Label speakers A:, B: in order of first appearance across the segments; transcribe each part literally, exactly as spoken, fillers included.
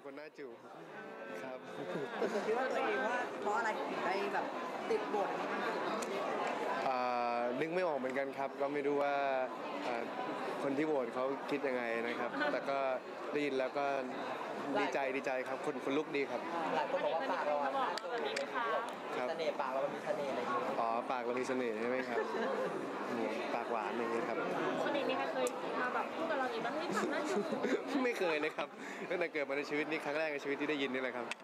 A: คนหน้าจูบครับ
B: ส่วนคิดว่าตัวเองว่าเพราะอะไรถึงได้แบบติดบทนี้มัน
A: นึกไม่ออกเหมือนกันครับก็ไม่รู้ว่าคนที่โหวตเขาคิดยังไงนะครับแต่ก็ได้ยินแล้วก็ดีใจดีใจครับคนคนลุกดีครับ
B: หลายคนบอกว่าปากเราแบบนี้ไหมคะเสน่ห์ปากเรามีเสน่ห์อะไรอย่างเงี้ย
A: อ๋อปากเรามีเสน่ห์ใช่ไหมครับปากหวานอย่างเงี้ยครับ
C: คนนี้มีใครเคยมาแบบพูดกับเราอีกบ้างเฮ้ยปากน่าจูบ
A: ไม่เคยเลยครับตั้งแต่เกิดมาในชีวิตนี้ครั้งแรกในชีวิตที่ได้ยินนี่แหละครับ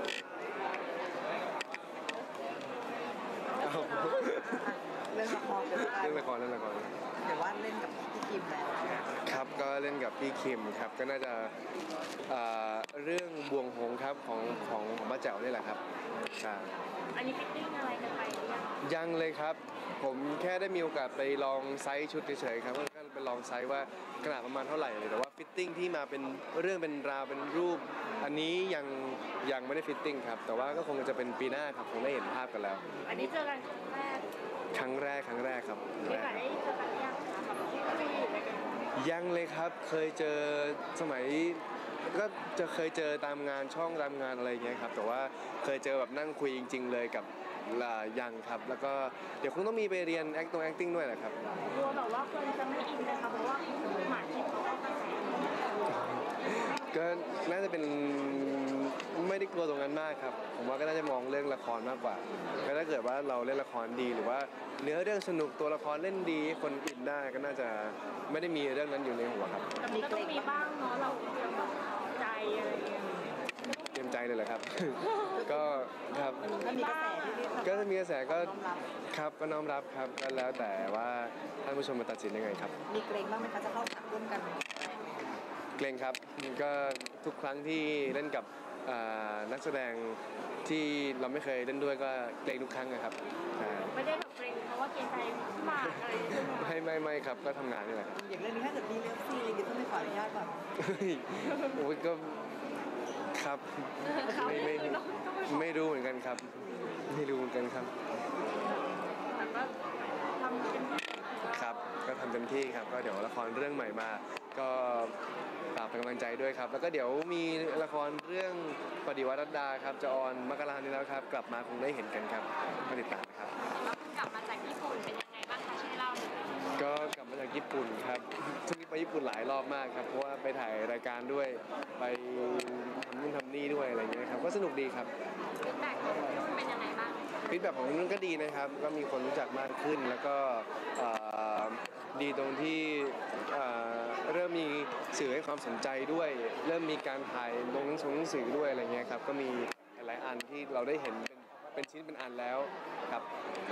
B: เรื่องละคร
A: เรื่องละครเรื่องละคร
B: เดี๋ยวว่าเล่นกับพี่คิมแล้ว
A: ครับก็เล่นกับพี่คิมครับก็น่าจะเรื่องบวงหงครับของของของป้าแจ๋วนี่แหละครับใช่
C: อันนี้ฟิตติ้งอะไรกันไปหรือยัง
A: ยังเลยครับผมแค่ได้มีโอกาสไปลองไซส์ชุดเฉยๆครับก็ไปลองไซส์ว่าขนาดประมาณเท่าไหร่เลยแต่ว่าฟิตติ้งที่มาเป็นเรื่องเป็นราวเป็นรูปอันนี้ยังยังไม่ได้ฟิตติ้งครับแต่ว่าก็คงจะเป็นปีหน้าครับคงได้เห็นภาพกันแล้ว
C: อันนี้เจอกันครั้งแรก
A: ครั้งแรกครั้งแรกครับ
C: ไม่เคยได้เจอกันยังคะแบบที่คุยอะไรกัน
A: ยังเลยครับเคยเจอสมัยก็จะเคยเจอตามงานช่องตามงานอะไรเงี้ยครับแต่ว่าเคยเจอแบบนั่งคุยจริงๆเลยกับยังครับแล้วก็เดี๋ยวคงต้องมีไปเรียน acting acting ด้วยแหละครับ
C: กลัวแบบว่าคนจะไม่อินนะคะเพราะว่าหมากคิมเขาก็กระแส
A: ก็น่าจะเป็นไม่ได้กลัวตรงนั้นมากครับผมว่าก็น่าจะมองเรื่องละครมากกว่าก็ถ้าเกิดว่าเราเล่นละครดีหรือว่าเนื้อเรื่องสนุกตัวละครเล่นดีคนอินได้ก็น่าจะไม่ได้มีเรื่องนั้นอยู่ในหัวครับ
C: แต่ก็ต้องมีบ้างเนาะเราเตรียมแบบใจอะไรอย่างเงี้ย
A: เตรียมใจเลยเหรอครับก็ครับ
B: ก็มีกระแส
A: ก็จะมีกระแสก็ครับก็น้อมรับครับก็แล้วแต่ว่าท่านผู้ชมมาตัดสินยังไงครับ
B: มีเกรงบ้างไหมคะจะเข้าฉากร่วมกัน
A: เกรงครับก็ทุกครั้งที่เล่นกับนักแสดงที่เราไม่เคยเล่นด้วยก็เกรงทุกครั้งนะครับ
C: ไม่ได้แบบเกรงเพราะว่าเกรงใจหมากอะไร
A: ไม่ไม่ไม่ครับก็ทำงานนี่แหละ
B: อย่างเรื่องนี้ถ้าเกิดมีเรื่องซีอะไรก็ต้องไม่ขออนุญาตแบบ
A: โอ้ยก็ครับไม่ไม่ไม่รู้เหมือนกันครับไม่รู้เหมือนกันครับ
C: แต่ก็ทำเต็มที่
A: ครับก็ทำเต็มที่ครับก็เดี๋ยวละครเรื่องใหม่มาก็ฝากเป็นกำลังใจด้วยครับแล้วก็เดี๋ยวมีละครเรื่องปฏิวัติรัตดาครับจะออนมกรานี้แล้วครับกลับมาคงได้เห็นกันครับมาติดตามครับ
C: แล้วคุณกลับมาจากญี่ปุ่นเป็นยังไงบ้างคะช่วยเล่าหน่อย
A: ก็กลับมาจากญี่ปุ่นครับช่วงนี้ไปญี่ปุ่นหลายรอบมากครับเพราะว่าไปถ่ายรายการด้วยไปทำนู่นทำนี่ด้วยอะไรอย่างเงี้ยครับก็สนุกดีครับ
C: ฟีดแบ็กของนุ่นเป็นยังไงบ้าง
A: ฟีดแบ็กของนุ่นก็ดีนะครับก็มีคนรู้จักมากขึ้นแล้วก็ดีตรงที่เริ่มมีสื่อให้ความสนใจด้วยเริ่มมีการถ่ายลงหนังสือหนังสือด้วยอะไรเงี้ยครับก็มีหลายอันที่เราได้เห็นเป็นเป็นชิ้นเป็นอันแล้วครับ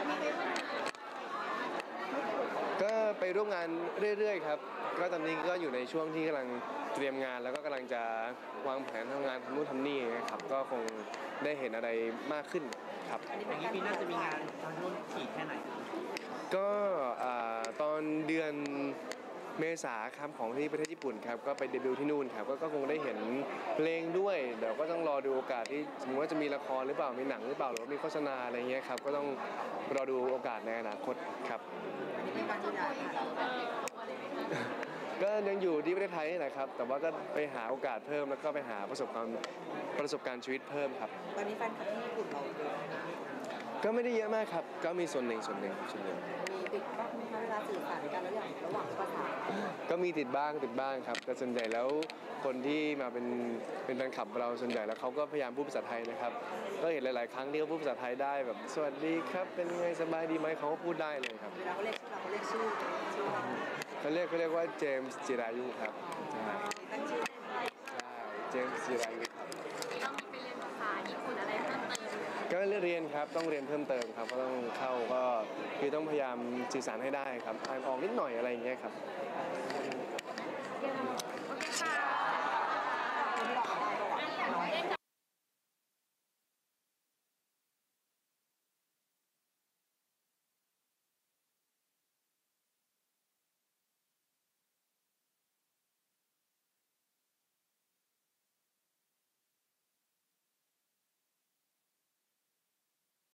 A: ก็ไปร่วมงานเรื่อยๆครับก็ตอนนี้ก็อยู่ในช่วงที่กำลังเตรียมงานแล้วก็กำลังจะวางแผนทำงานทำนู่นทำนี่นะครับก็คงได้เห็นอะไรมากขึ้นครับ
B: อันนี้เป็นปีหน้าจะมีงานทางนู่นถี่แค่ไหน
A: ก็ตอนเดือนเมษาครับของที่ประเทศญี่ปุ่นครับก็ไปเดบิวต์ที่นู่นครับก็คงได้เห็นเพลงด้วยเดี๋ยวก็ต้องรอดูโอกาสที่สมมติว่าจะมีละครหรือเปล่ามีหนังหรือเปล่าหรือว่ามีโฆษณาอะไรเงี้ยครับก็ต้องรอดูโอกาสในอนาคตครับก็ยังอยู่ที่ประเทศไทยนี่แหละครับแต่ว่าก็ไปหาโอกาสเพิ่มแล้วก็ไปหาประสบการณ์ประสบการณ์ชีวิตเพิ่มครับ
B: ตอนนี้แฟนคลับที่ญี่ปุ่นเราเยอะ
A: ก็ไม่ได้เยอะมากครับก็มีส่วนหนึ่งส่วนหนึ่งส่วนหนึ่ง
B: มีติดบ้างไหมคะเวลาสื่อสารกันแล้วอย่างระหว่างภาษา
A: ก็มีติดบ้างติดบ้างครับแต่ส่วนใหญ่แล้วคนที่มาเป็นเป็นแฟนคลับเราส่วนใหญ่แล้วเขาก็พยายามพูดภาษาไทยนะครับก็เห็นหลายๆครั้งที่เขาพูดภาษาไทยได้แบบสวัสดีครับเป็นไงสบายดีไหมเขาก็พูดได้เลยครับ
B: เวลาเขาเรียกชื่อเราเขาเรียกชื่อชื่อเรา
A: เขาเรียกเขาเรียกว่าเจมส์จิรายุครับ
B: ตั้งชื่อ
A: ใช่เจมส์จิรายุครับ
C: ต้องมีไปเรียนภาษาญี่ปุ่นอะไรเพิ่มเติม
A: ก็เรียนครับต้องเรียนเพิ่มเติมครับก็ต้องเข้าก็คือต้องพยายามสื่อสารให้ได้ครับอ่านออกนิดหน่อยอะไรอย่างเงี้ยครับ